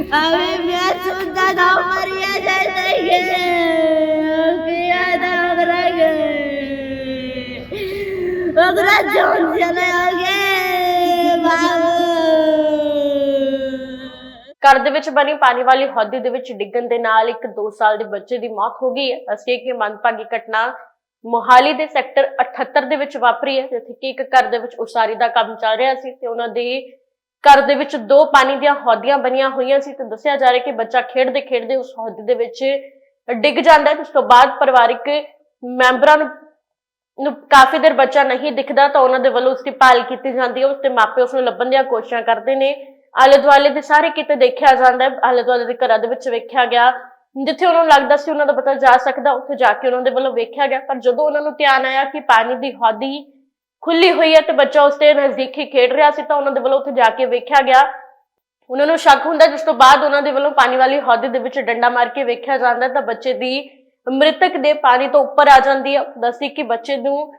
अभी मैं सुनता था मरिया जैसे ये किया था ओकरा जोन चले आगे बाबू। ਘਰ ਦੇ ਵਿੱਚ ਬਣੀ ਪਾਣੀ ਵਾਲੀ ਹੌਦੀ ਦੇ ਵਿੱਚ ਡਿੱਗਣ ਦੇ ਨਾਲ ਇੱਕ 2 ਸਾਲ ਦੇ ਬੱਚੇ ਦੀ ਮੌਤ ਹੋ ਗਈ ਹੈ। ਅਸੀਂ ਕਿ ਮੰਦਭਾਗੀ ਘਟਨਾ ਮੋਹਾਲੀ ਦੇ ਸੈਕਟਰ 78 ਦੇ ਵਿੱਚ ਵਾਪਰੀ ਹੈ, ਜਿੱਥੇ ਕਿ ਇੱਕ ਘਰ ਦੇ ਵਿੱਚ ਉਸਾਰੀ ਦਾ ਕੰਮ ਚੱਲ ਰਿਹਾ ਸੀ ਤੇ ਉਹਨਾਂ ਦੇ ਘਰ ਦੇ ਵਿੱਚ 2 ਪਾਣੀ ਦੀਆਂ ਹੌਦੀਆਂ ਬਣੀਆਂ ਹੋਈਆਂ ਸੀ ਤੇ ਦੱਸਿਆ ਜਾ ਰਿਹਾ ਕਿ ਬੱਚਾ ਖੇਡਦੇ ਖੇਡਦੇ ਉਸ ਹੌਦੀ ਦੇ ਵਿੱਚ ਡਿੱਗ ਜਾਂਦਾ ਹੈ। ਉਸ ਤੋਂ ਬਾਅਦ ਪਰਿਵਾਰਿਕ ਮੈਂਬਰਾਂ ਨੂੰ ਕਾਫੀ ਦੇਰ ਬੱਚਾ ਨਹੀਂ ਦਿਖਦਾ ਤਾਂ ਉਹਨਾਂ ਦੇ ਵੱਲੋਂ ਉਸ ਦੀ ਭਾਲ ਕੀਤੀ ਜਾਂਦੀ ਹੈ। ਉਸ ਦੇ ਮਾਪੇ ਉਸ ਨੂੰ ਲੱਭਣ ਦੀਆਂ ਕੋਸ਼ਿਸ਼ਾਂ ਕਰਦੇ ਨੇ। ਆਲੇ ਦੁਆਲੇ ਦੇ ਸਾਰੇ ਕਿਤੇ ਦੇਖਿਆ ਜਾਂਦਾ ਹੈ, ਆਲੇ ਦੁਆਲੇ ਦੇ ਘਰਾਂ ਦੇ ਵਿੱਚ ਵੇਖਿਆ ਗਿਆ, ਜਿੱਥੇ ਉਹਨਾਂ ਨੂੰ ਲੱਗਦਾ ਸੀ ਉਹਨਾਂ ਦਾ ਪਤਾ ਜਾ ਸਕਦਾ ਉੱਥੇ ਜਾ ਕੇ ਉਹਨਾਂ ਦੇ ਵੱਲੋਂ ਵੇਖਿਆ ਗਿਆ। ਪਰ ਜਦੋਂ ਉਹਨਾਂ ਨੂੰ ਧਿਆਨ ਆਇਆ ਕਿ ਪਾਣੀ ਦੀ ਹੌਦੀ ਖੁੱਲੀ ਹੋਈ ਹੈ ਤੇ ਬੱਚਾ ਉਸ ਦੇ ਨਜ਼ਦੀਕ ਹੀ ਖੇਡ ਰਿਹਾ ਸੀ ਤਾਂ ਉਹਨਾਂ ਦੇ ਵੱਲੋਂ ਉੱਥੇ ਜਾ ਕੇ ਵੇਖਿਆ ਗਿਆ। ਉਹਨਾਂ ਨੂੰ ਸ਼ੱਕ ਹੁੰਦਾ, ਜਿਸ ਤੋਂ ਬਾਅਦ ਉਹਨਾਂ ਦੇ ਵੱਲੋਂ ਪਾਣੀ ਵਾਲੀ ਹੌਦੀ ਦੇ ਵਿੱਚ ਡੰਡਾ ਮਾਰ ਕੇ ਵੇਖਿਆ ਜਾਂਦਾ ਤਾਂ ਬੱਚੇ ਦੀ ਮ੍ਰਿਤਕ ਦੇ ਪਾਣੀ ਤੋਂ ਉੱਪਰ ਆ ਜਾਂਦੀ ਹੈ। ਦੱਸੀ ਕਿ ਬੱਚੇ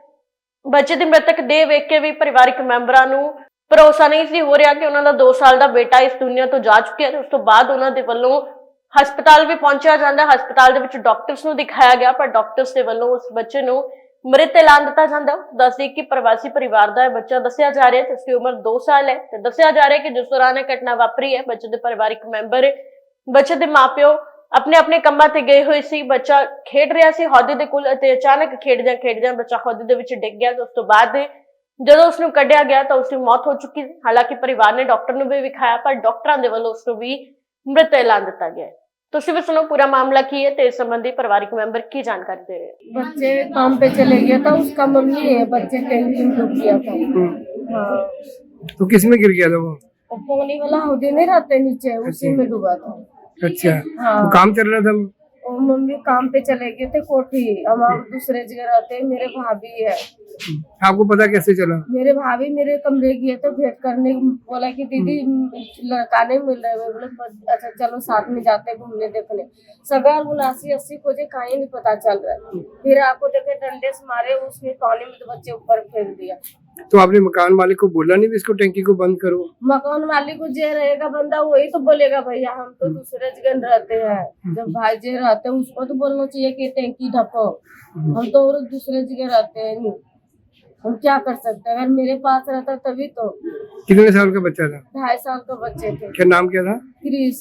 ਦੀ ਮ੍ਰਿਤਕ ਦੇਹ ਵੇਖ ਕੇ ਵੀ ਪਰਿਵਾਰਿਕ ਮੈਂਬਰਾਂ ਨੂੰ ਭਰੋਸਾ ਨਹੀਂ ਸੀ ਹੋ ਰਿਹਾ ਕਿ ਉਹਨਾਂ ਦਾ 2 ਸਾਲ ਦਾ ਬੇਟਾ ਇਸ ਦੁਨੀਆ ਤੋਂ ਜਾ ਚੁੱਕਿਆ। ਉਸ ਤੋਂ ਬਾਅਦ ਉਹਨਾਂ ਦੇ ਵੱਲੋਂ ਹਸਪਤਾਲ ਵੀ ਪਹੁੰਚਿਆ ਜਾਂਦਾ। ਹਸਪਤਾਲ ਦੇ ਵਿੱਚ ਡਾਕਟਰਸ ਨੂੰ ਦਿਖਾਇਆ ਗਿਆ ਪਰ ਡਾਕਟਰਸ ਦੇ ਵੱਲੋਂ ਉਸ ਬੱਚੇ ਨੂੰ ਮ੍ਰਿਤ ਐਲਾਨ ਦਿੱਤਾ ਜਾਂਦਾ। ਦੱਸਦੇ ਕਿ ਪ੍ਰਵਾਸੀ ਪਰਿਵਾਰ ਦਾ ਬੱਚਾ ਦੱਸਿਆ ਜਾ ਰਿਹਾ ਤੇ ਉਸ ਦੀ ਉਮਰ 2 ਸਾਲ ਹੈ ਤੇ ਦੱਸਿਆ ਜਾ ਰਿਹਾ ਕਿ ਜਿਸ ਦੌਰਾਨ ਇਹ ਘਟਨਾ ਵਾਪਰੀ ਹੈ ਬੱਚੇ ਦੇ ਪਰਿਵਾਰਿਕ ਮੈਂਬਰ, ਬੱਚੇ ਦੇ ਮਾਪਿਓ ਆਪਣੇ ਕੰਮਾਂ ਤੇ ਗਏ ਹੋਏ ਸੀ। ਬੱਚਾ ਖੇਡ ਰਿਹਾ ਸੀ ਹੌਦੀ ਦੇ ਕੋਲ ਅਤੇ ਅਚਾਨਕ ਖੇਡਦਿਆਂ ਬੱਚਾ ਹੌਦੀ ਦੇ ਵਿੱਚ ਡਿੱਗ ਗਿਆ। ਉਸ ਤੋਂ ਬਾਅਦ ਜਦੋਂ ਉਸ ਨੂੰ ਕੱਢਿਆ ਗਿਆ ਤਾਂ ਉਸ ਦੀ ਮੌਤ ਹੋ ਚੁੱਕੀ ਸੀ। ਹਾਲਾਂਕਿ ਪਰਿਵਾਰ ਨੇ ਡਾਕਟਰ ਨੂੰ ਵੀ ਵਿਖਾਇਆ ਪਰ ਡਾਕਟਰਾਂ ਦੇ ਵੱਲੋਂ ਉਸ ਨੂੰ ਵੀ ਮ੍ਰਿਤ ਐਲਾਨ ਦਿੱਤਾ ਗਿਆ। ਤੁਸੀਂ ਵੀ ਸੁਣੋ ਪੂਰਾ ਮਾमला की है तो इस संबंधी पारिवारिक मेंबर की जानकारी दे रहे हैं। बच्चे काम पे चले गया था, उसका मम्मी है, बच्चे टैंकी में डूब गया था। हाँ, तो किसमें गिर गया था वो? पानी वाला हौदी नहीं रहते नीचे, उसी में डूबा था। अच्छा। हाँ, तो काम चल रहा था? और मम्मी काम पे चले गए थे कोठी, हम दूसरे जगह रहते। मेरे भाभी है। आपको पता कैसे चला? मेरे भाभी मेरे कमरे गए तो भेंट करने, बोला कि दीदी लड़का नहीं मिल रहा है। बोले अच्छा चलो साथ में जाते घूमने देखने। सगार 79-80 खोजे, कहीं नहीं पता चल रहा है। फिर आपको देखे डंडे से मारे, उसमें पानी में तो बच्चे ऊपर फेंक दिया। तो आपने मकान मालिक को बोला नहीं भी इसको टैंकी को बंद करो? मकान मालिक को जे रहेगा बंदा वही तो बोलेगा भैया, हम तो दूसरे जगह रहते हैं। जब भाई जे रहते हैं उसको तो बोलना चाहिए कि टैंकी ढको। हम तो और दूसरे जगह रहते हैं, नहीं हम क्या कर सकते हैं। अगर मेरे पास रहता तभी तो। कितने साल का बच्चा था? 2.5 साल का बच्चे थे। क्या नाम क्या था? क्रिस।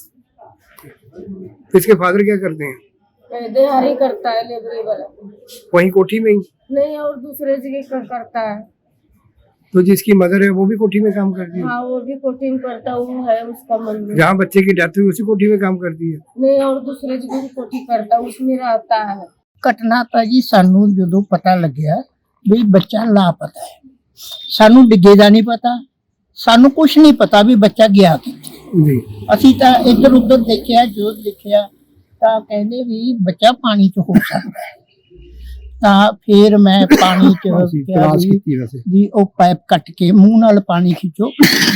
इसके फादर क्या करते हैं? दिहाड़ी करता है, लेबरी वाला। वहीं कोठी में ही? नहीं, और दूसरे जगह करता है। तो जिसकी मदर है वो भी कोठी में काम करती है? हाँ, वो भी कोठी में करता है, वो है उसका मम्मी। जहाँ बच्चे की डेथ हुई उसी कोठी में काम करती है? नहीं, और दूसरे जगह भी कोठी करता है, उसमें रहता है। ਘਟਨਾ ਤਾਂ ਜੀ ਸਾਨੂੰ ਜਦੋਂ ਪਤਾ ਲੱਗਿਆ ਵੀ ਬੱਚਾ ਲਾਪਤਾ ਹੈ, ਸਾਨੂੰ ਡਿੱਗੇ ਦਾ ਨਹੀਂ ਪਤਾ, ਸਾਨੂੰ ਕੁਝ ਨਹੀਂ ਪਤਾ ਵੀ ਬੱਚਾ ਗਿਆ ਕਿੱਥੇ। जी। ਅਸੀਂ ਤਾਂ ਇੱਧਰ ਉੱਧਰ ਦੇਖਿਆ, ਜੋ ਦੇਖਿਆ ਤਾਂ ਕਹਿੰਦੇ ਵੀ ਬੱਚਾ ਪਾਣੀ 'ਚ ਹੋ ਸਕਦਾ ਹੈ। ਤਾਂ ਫਿਰ ਮੈਂ ਪਾਣੀ 'ਚ ਕਿਹਾ ਵੀ ਉਹ ਪਾਈਪ ਕੱਟ ਕੇ ਮੂੰਹ ਨਾਲ ਪਾਣੀ ਖਿੱਚੋ,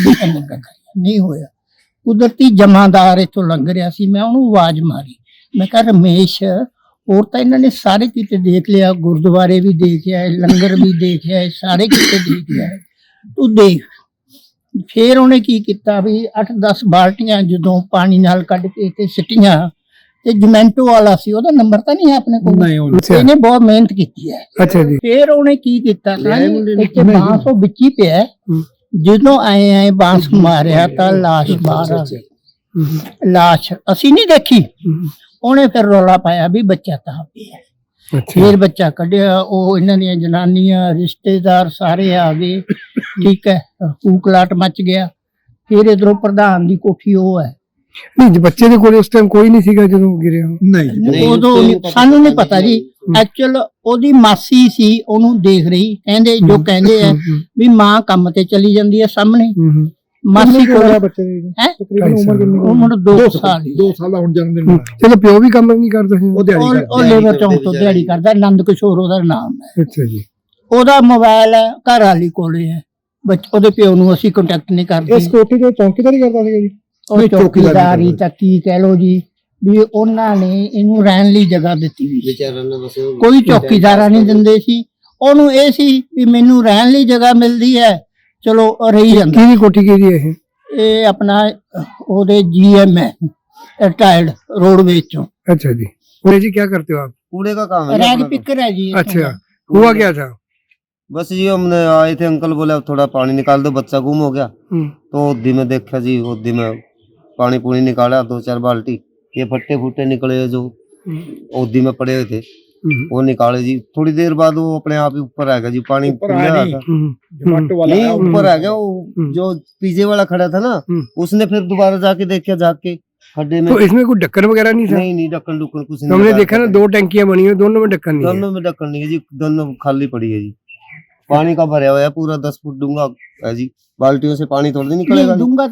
ਨਹੀਂ ਹੋਇਆ। ਕੁਦਰਤੀ ਜਮਾਦਾਰ ਇੱਥੋਂ ਲੰਘ ਰਿਹਾ ਸੀ, ਮੈਂ ਉਹਨੂੰ ਆਵਾਜ਼ ਮਾਰੀ, ਮੈਂ ਕਿਹਾ ਰਮੇਸ਼, ਹੋਰ ਤਾਂ ਇਹਨਾਂ ਨੇ ਸਾਰੇ ਕਿਤੇ ਦੇਖ ਲਿਆ, ਗੁਰਦੁਆਰੇ ਵੀ ਦੇਖਿਆ, ਲੰਗਰ ਵੀ ਦੇਖਿਆ, ਸਾਰੇ ਕਿਤੇ ਦੇਖ ਲਿਆ, ਤੂੰ ਦੇਖ। ਫਿਰ ਉਹਨੇ ਕੀ ਕੀਤਾ ਵੀ 8-10 ਬਾਲਟੀਆਂ ਜਦੋਂ ਪਾਣੀ ਨਾਲ ਕੱਢ ਕੇ ਤੇ ਸਿੱਟੀਆਂ ਤੇ ਜਮੈਂਟੋ ਵਾਲਾ ਸੀ, ਉਹਦਾ ਨੰਬਰ ਤਾਂ ਨਹੀਂ ਹੈ ਆਪਣੇ ਕੋਲ, ਇਹਨੇ ਬਹੁਤ ਮਿਹਨਤ ਕੀਤੀ ਹੈ। अच्छा जी। ਫਿਰ ਉਹਨੇ ਕੀ ਕੀਤਾ, ਇੱਥੇ ਬਾਂਸ ਉਹ ਵਿੱਚ ਹੀ ਪਿਆ, ਜਦੋਂ ਆਏ ਬਾਂਸ ਮਾਰਿਆ ਤਾਂ ਲਾਸ਼ ਬਾਹਰ ਆ ਗਈ। ਲਾਸ਼ ਅਸੀਂ ਨਹੀਂ ਦੇਖੀ, ਉਹਨੇ ਫਿਰ ਰੌਲਾ ਪਾਇਆ ਵੀ ਬੱਚਾ ਤਾਂ ਪਿਆ। ਫਿਰ ਬੱਚਾ ਕੱਢਿਆ, ਉਹ ਇਹਨਾਂ ਦੀਆਂ ਜਨਾਨੀਆਂ ਰਿਸ਼ਤੇਦਾਰ ਸਾਰੇ ਆ ਗਏ, ਠੀਕ ਹੈ, ਹੂਕਲਾਟ ਮਚ ਗਿਆ। ਫਿਰ ਇਧਰੋਂ ਪ੍ਰਧਾਨ ਦੀ ਕੋਠੀ ਉਹ ਹੈ। नहीं, बच्चे के कोल उस टाइम कोई नहीं सीगा ਜਦੋਂ ਗਿਰਿਆ? ਨਹੀਂ, ਉਦੋਂ ਸਾਨੂੰ ਨਹੀਂ ਪਤਾ ਜੀ। ਐਕਚੁਅਲ ਉਹਦੀ ਮਾਸੀ ਸੀ, ਉਹਨੂੰ ਦੇਖ ਰਹੀ, ਕਹਿੰਦੇ ਜੋ ਕਹਿੰਦੇ ਆ ਵੀ ਮਾਂ ਕੰਮ ਤੇ ਚਲੀ ਜਾਂਦੀ ਹੈ ਸਾਹਮਣੇ, ਮਾਸੀ ਕੋਲ ਬੱਚੇ ਦੀ ਹੈ ਤਕਰੀਬਨ ਉਮਰ ਕਿੰਨੀ? ਉਮਰ 2 ਸਾਲ। 2 ਸਾਲ ਦਾ ਹੁਣ ਜਨਮ ਦਿਨ। ਚਲੋ ਪਿਓ ਵੀ ਕੰਮ ਨਹੀਂ ਕਰਦਾ ਸੀ? ਉਹ ਲੇਬਰ ਚੌਂਕ ਤੋਂ ਦਿਹਾੜੀ ਕਰਦਾ, ਆਨੰਦ ਕਿਸ਼ੋਰ ਉਹਦਾ ਨਾਮ ਹੈ। ਅੱਛਾ ਜੀ। ਉਹਦਾ ਮੋਬਾਈਲ ਹੈ ਘਰ ਵਾਲੀ ਕੋਲੇ ਹੈ, ਉਹਦੇ ਪਿਓ ਨੂੰ ਅਸੀਂ ਕੰਟੈਕਟ ਨਹੀਂ ਕਰਦੇ। ਇਸ ਕੋਠੀ ਤੇ ਚੌਂਕੀਦਾਰੀ ਕਰਦਾ ਸੀਗਾ ਜੀ? ਉਹ ਚੌਕੀਦਾਰੀ ਤਾਂ ਕੀ ਕਹਿ ਲੋ ਜੀ, ਵੀ ਉਹਨਾਂ ਨੇ ਇਹਨੂੰ ਰਹਿਣ ਲਈ ਜਗ੍ਹਾ ਦਿੱਤੀ ਵੀ, ਕੋਈ ਚੌਕੀਦਾਰਾ ਨਹੀਂ ਦਿੰਦੇ ਸੀ ਉਹਨੂੰ। ਇਹ ਸੀ ਵੀ ਮੈਨੂੰ ਰਹਿਣ ਲਈ ਜਗ੍ਹਾ ਮਿਲਦੀ ਹੈ, ਚਲੋ ਰਹੀ ਜਾਂਦਾ। ਕਿਹਦੀ ਕੋਠੀ ਕਿਹਦੀ ਇਹ? ਇਹ ਆਪਣਾ ਉਹਦੇ GM ਹੈ। टायर्ड रोडवेज चो। अच्छा जी। पूरे जी क्या करते हो आप? कूड़े का काम है जी रैग अपना तो। पिकर है जी। अच्छा, हुआ क्या था? बस जी हमने आए थे, अंकल बोले अब थोड़ा पानी निकाल दो, बच्चा गुम हो गया। तो ओदी में देखा जी, ओदी में पानी पूनी निकाला 2-4 बाल्टी, ये फट्टे फुट्टे निकले जो ओदी में पड़े हुए थे वो निकाले जी। थोड़ी देर बाद वो अपने आप ही ऊपर आ गया जी, पानी खुल रहा था। नहीं ऊपर आ गया वो, जो पीछे वाला खड़ा था ना उसने फिर दोबारा जाके देखा, जाके खड्डे में। तो इसमें कोई ढक्कन वगैरह नहीं था? नहीं ढक्कन डुक्कन कुछ नहीं। हमने देखा ना 2 टंकियां बनी हुई, दोनों में ढक्कन नहीं है। दोनों में ढक्कन नहीं है जी, दोनों खाली पड़ी है जी। पानी का भरा हुआ है पूरा 10 फुट डूंगा है जी, बाल्टियों से पानी थोड़ी निकलेगा। दूंगा